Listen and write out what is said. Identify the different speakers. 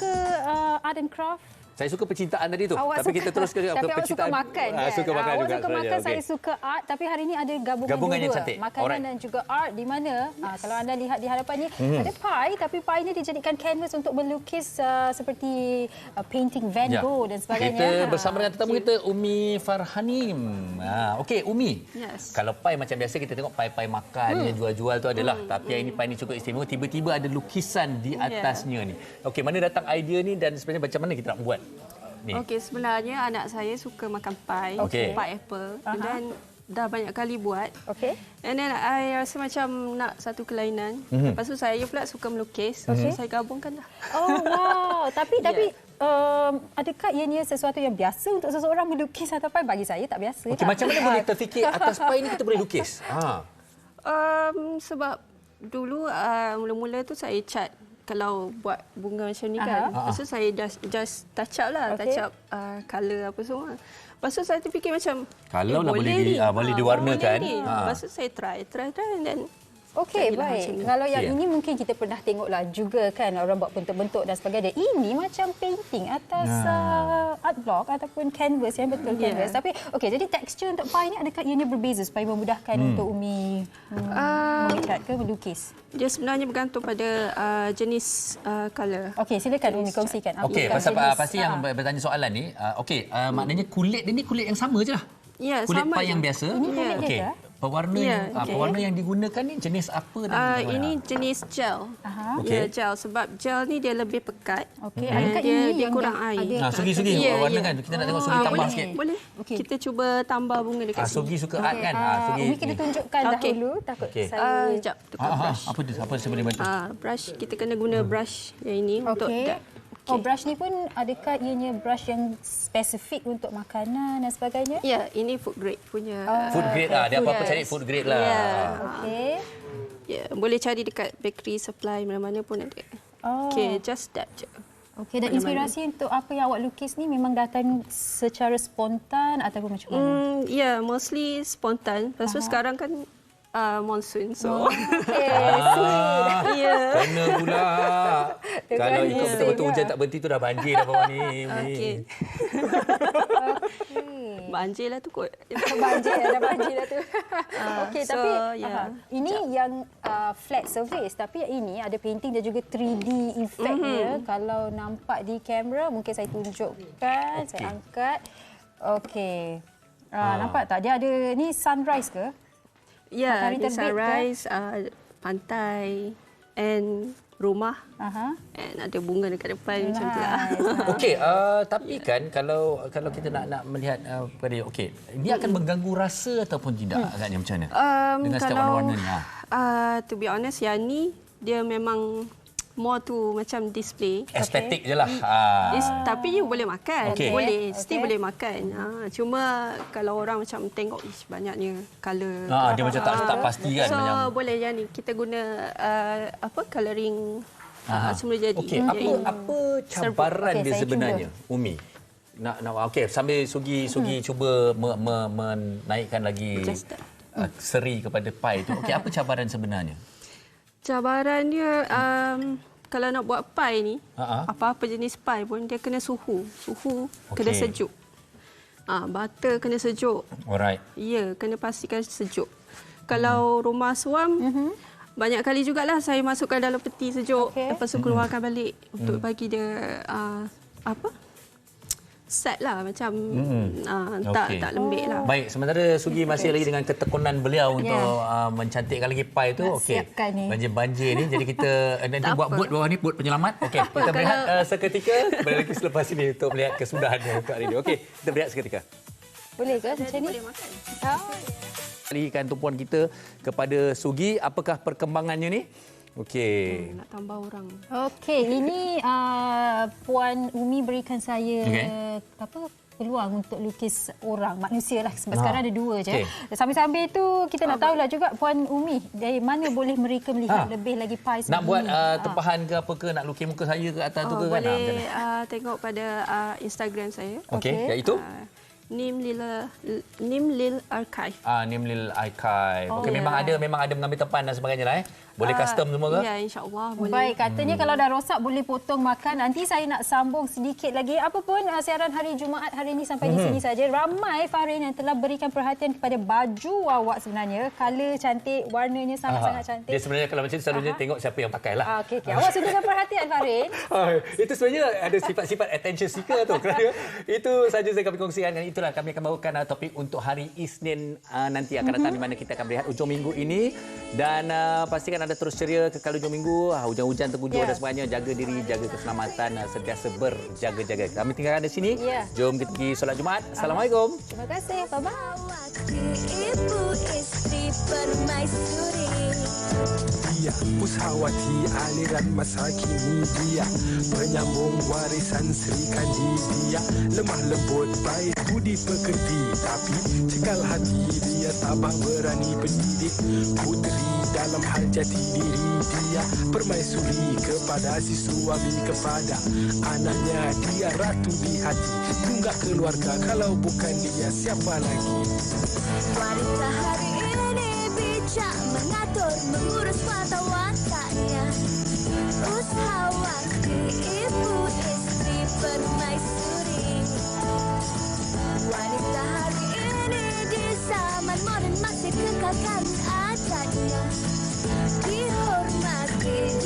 Speaker 1: suka art and craft?
Speaker 2: Saya suka percintaan tadi tu.
Speaker 1: Awak
Speaker 2: Tapi
Speaker 1: suka,
Speaker 2: kita terus ke
Speaker 1: tapi awak suka makan kan?
Speaker 2: Suka makan
Speaker 1: awak
Speaker 2: juga.
Speaker 1: suka makan,
Speaker 2: Okay.
Speaker 1: saya suka art. Tapi hari ini ada
Speaker 2: Gabungan yang
Speaker 1: dua.
Speaker 2: cantik.
Speaker 1: Makanan
Speaker 2: Alright.
Speaker 1: dan juga art. Di mana, kalau anda lihat di hadapan ni, ada pie. Tapi pie ni dijadikan canvas untuk melukis seperti painting Van Gogh dan sebagainya.
Speaker 2: Kita bersama dengan tetamu kita, Umi Farhanim. Okey, Umi.
Speaker 3: Yes.
Speaker 2: Kalau pie macam biasa kita tengok pie-pie makan yang jual-jual tu adalah. Tapi yang ini pie ni cukup istimewa. Tiba-tiba ada lukisan di atasnya ni. Okey, mana datang idea ni dan sebenarnya macam mana kita nak buat?
Speaker 3: Okey, sebenarnya anak saya suka makan pie,
Speaker 2: Okey.
Speaker 3: pie apple dan dah banyak kali buat.
Speaker 1: Okey.
Speaker 3: And then I rasa macam nak satu kelainan. Lepas tu saya pula suka melukis. So saya gabungkan dah.
Speaker 1: Oh, wow. Tapi adakah ianya sesuatu yang biasa untuk seseorang melukis atau pie? Bagi saya tak biasa.
Speaker 2: Okey, macam mana boleh terfikir atas pie ni kita boleh lukis?
Speaker 3: Sebab dulu mula-mula tu saya cat. Kalau buat bunga macam ni kan. Lepas tu saya just touch up lah.
Speaker 1: Okey.
Speaker 3: Touch up colour apa semua. Lepas tu saya terfikir macam
Speaker 2: Kalau lah boleh diwarnakan.
Speaker 3: Lepas tu saya try and then
Speaker 1: Okey,
Speaker 3: jadilah
Speaker 1: baik.
Speaker 3: macam ni.
Speaker 1: Kalau yang ini mungkin kita pernah tengoklah juga kan, orang buat bentuk-bentuk dan sebagainya. Ini macam painting atas art block ataupun canvas yang betul canvas. Tapi okey, jadi tekstur untuk pie ni adakah ianya berbeza supaya memudahkan untuk Umi mengecat ke melukis?
Speaker 3: Dia sebenarnya bergantung pada jenis colour.
Speaker 1: Okey, silakan Umi kongsikan.
Speaker 2: Okey,
Speaker 1: Apakah
Speaker 2: pasal
Speaker 1: jenis-
Speaker 2: pasti yang bertanya soalan ni, maknanya kulit dia ni kulit yang sama je lah.
Speaker 3: Ya,
Speaker 2: Kulit
Speaker 3: sama
Speaker 2: pie yang
Speaker 3: je.
Speaker 2: biasa.
Speaker 1: Ini kulit dia
Speaker 2: Okey.
Speaker 1: ke?
Speaker 2: Pewarna pewarna yang digunakan ni jenis apa dan
Speaker 3: Ini jenis gel.
Speaker 2: Okey.
Speaker 3: Ya, gel. Sebab gel ni dia lebih pekat.
Speaker 1: Okey,
Speaker 3: Dan
Speaker 1: adakah
Speaker 3: dia,
Speaker 1: ini
Speaker 3: dia
Speaker 1: yang
Speaker 3: kurang air.
Speaker 1: ada-
Speaker 2: Sugi-sugi
Speaker 3: Ya,
Speaker 2: warna
Speaker 3: ya.
Speaker 2: kan. Kita nak tengok Sugi tambah
Speaker 3: boleh,
Speaker 2: sikit.
Speaker 3: boleh.
Speaker 1: Okey.
Speaker 3: Kita cuba tambah bunga dekat sini.
Speaker 2: Sugi suka art kan? Sugi.
Speaker 1: Umi kita tunjukkan
Speaker 3: Okey.
Speaker 1: dahulu. Takut
Speaker 2: Okey.
Speaker 1: saya...
Speaker 3: Sekejap, tukar brush.
Speaker 2: Apa saya boleh bantu?
Speaker 3: Brush, kita kena guna brush yang ini untuk
Speaker 1: Okey.
Speaker 3: dab.
Speaker 1: Oh, brush ni pun adakah ianya brush yang spesifik untuk makanan dan sebagainya?
Speaker 3: Ya, ini food grade punya.
Speaker 2: Food grade lah. Dia apa-apa
Speaker 3: Yes.
Speaker 2: cari food grade lah.
Speaker 3: Ya.
Speaker 1: Okey.
Speaker 3: Ya, boleh cari dekat bakery supply mana-mana pun ada.
Speaker 1: Oh.
Speaker 3: Okey, just dab je.
Speaker 1: Okey, dan inspirasi untuk apa yang awak lukis ni memang datang secara spontan ataupun macam mana?
Speaker 3: Ya, mostly spontan. Lepas tu sekarang kan monsoon, so
Speaker 1: Okey,
Speaker 3: ya.
Speaker 2: Kena pula. Kalau ikut betul-betul hujan tak berhenti tu dah banjir dah bawah ni.
Speaker 3: Okey. Banjir lah tu kot.
Speaker 1: banjir dah tu. Okey,
Speaker 3: so,
Speaker 1: tapi
Speaker 3: yeah.
Speaker 1: ini yang flat surface, tapi yang ini ada painting dan juga 3D effect dia. Kalau nampak di kamera mungkin saya tunjukkan, saya angkat. Okey. Nampak tak? Dia ada ni sunrise ke?
Speaker 3: Ya,
Speaker 1: Matahari
Speaker 3: ada
Speaker 1: terbit ke?
Speaker 3: sunrise, pantai and rumah. And ada bunga dekat depan macam tu lah.
Speaker 2: Okey, tapi kan kalau kita nak melihat pada okey, dia akan mengganggu rasa ataupun tidak agaknya macam mana? Dengan setiap
Speaker 3: Kalau
Speaker 2: warna-warna ni.
Speaker 3: to be honest, yang ni dia memang more to macam display.
Speaker 2: Estetik je lah.
Speaker 3: Tapi you boleh makan.
Speaker 2: Okey.
Speaker 3: Boleh,
Speaker 1: Okey.
Speaker 3: still boleh makan. Cuma kalau orang macam tengok banyaknya colour.
Speaker 2: Dia macam tak pasti kan.
Speaker 3: So
Speaker 2: macam.
Speaker 3: boleh yang ni kita guna colouring semula jadi.
Speaker 2: Okey, apa cabaran
Speaker 1: Okey,
Speaker 2: dia
Speaker 1: saya
Speaker 2: sebenarnya, Umi? Nak okey, sambil Sugi cuba menaikkan lagi
Speaker 3: Just that.
Speaker 2: seri kepada pie tu. Okey, apa cabaran sebenarnya?
Speaker 3: Cabaran dia kalau nak buat pie ni,
Speaker 2: Ha-ha.
Speaker 3: apa-apa jenis pie pun dia kena suhu. Kena sejuk. Butter kena sejuk.
Speaker 2: Alright.
Speaker 3: Ya, kena pastikan sejuk. Kalau rumah suam, banyak kali jugalah saya masukkan dalam peti sejuk.
Speaker 1: Okey.
Speaker 3: Lepas tu keluarkan balik untuk bagi dia set lah macam tak lembik lah.
Speaker 2: Baik, sementara Sugi masih lagi dengan ketekunan beliau untuk mencantikkan lagi pie tu.
Speaker 1: Nak
Speaker 2: Okey.
Speaker 1: siapkan ni.
Speaker 2: Banjir ni. Jadi kita nanti
Speaker 3: Tak
Speaker 2: buat
Speaker 3: apa.
Speaker 2: bot bawah ni, bot penyelamat. Okey, kita berehat seketika. Kembali lagi selepas ini untuk melihat kesudahannya untuk hari ini. Okey, kita berehat seketika.
Speaker 1: Boleh ke macam ni?
Speaker 3: Boleh makan.
Speaker 2: Alihkan tumpuan kita kepada Sugi. Apakah perkembangannya ni? Okey.
Speaker 3: Nak tambah orang.
Speaker 1: Okey, ini Puan Umi berikan saya peluang untuk lukis orang, manusia lah. Sebab sekarang ada dua je.
Speaker 2: Okey.
Speaker 1: Sambil-sambil tu kita nak tahulah juga Puan Umi, dari mana boleh mereka melihat lebih lagi pie
Speaker 2: Nak buat
Speaker 1: sebegini?
Speaker 2: tempahan ke apa ke? Nak lukis muka saya ke atas tu ke kan?
Speaker 3: Boleh
Speaker 2: Macam mana?
Speaker 3: tengok pada Instagram saya.
Speaker 2: Okey,
Speaker 1: Okey.
Speaker 2: iaitu?
Speaker 3: Nim Lil Archive.
Speaker 2: Nimlil Archive. Okey, memang ada mengambil tempat dan sebagainya lah. Boleh custom semua ke?
Speaker 3: Ya, insya-Allah boleh.
Speaker 1: Baik, katanya kalau dah rosak boleh potong makan. Nanti saya nak sambung sedikit lagi. Apa pun siaran hari Jumaat hari ini sampai di sini saja. Ramai Farin yang telah berikan perhatian kepada baju awak sebenarnya. Color cantik, warnanya sangat-sangat cantik.
Speaker 2: Dia sebenarnya kalau macam tu selalunya tengok siapa yang pakai lah.
Speaker 1: Okey. Awak sungguhkan perhatian Farin.
Speaker 2: Itu sebenarnya ada sifat-sifat attention seeker tu. Kerana itu saja saya kami kongsikan. Dan itulah kami akan bawakan topik untuk hari Isnin nanti akan datang, di mana kita akan melihat hujung minggu ini. Dan pastikan anda terus ceria kekal hujung minggu. Hujan-hujan tergujur dan sebagainya. Jaga diri, jaga keselamatan, sentiasa berjaga-jaga. Kami tinggalkan di sini. Jom kita pergi solat Jumaat. Assalamualaikum.
Speaker 1: Terima kasih. Bye-bye.
Speaker 4: Ibu istri permaisuri.
Speaker 5: Dia Pusawati aliran masa kini, dia penyambung warisan Sri Kandi. Dia lemah lembut, baik budi pekerti, tapi cekal hati. Dia tabah berani pendidik puteri dalam hal jati diri. Dia permaisuri kepada si suami, kepada anaknya. Dia ratu di hati, tunggak keluarga. Kalau bukan dia, siapa lagi?
Speaker 4: Wanita hari ini bijak mengatur, mengurus mata wataknya. Ushawati ibu istri permaisuri. Wanita hari ini di zaman moden masih kekalkan adatnya. Dihormati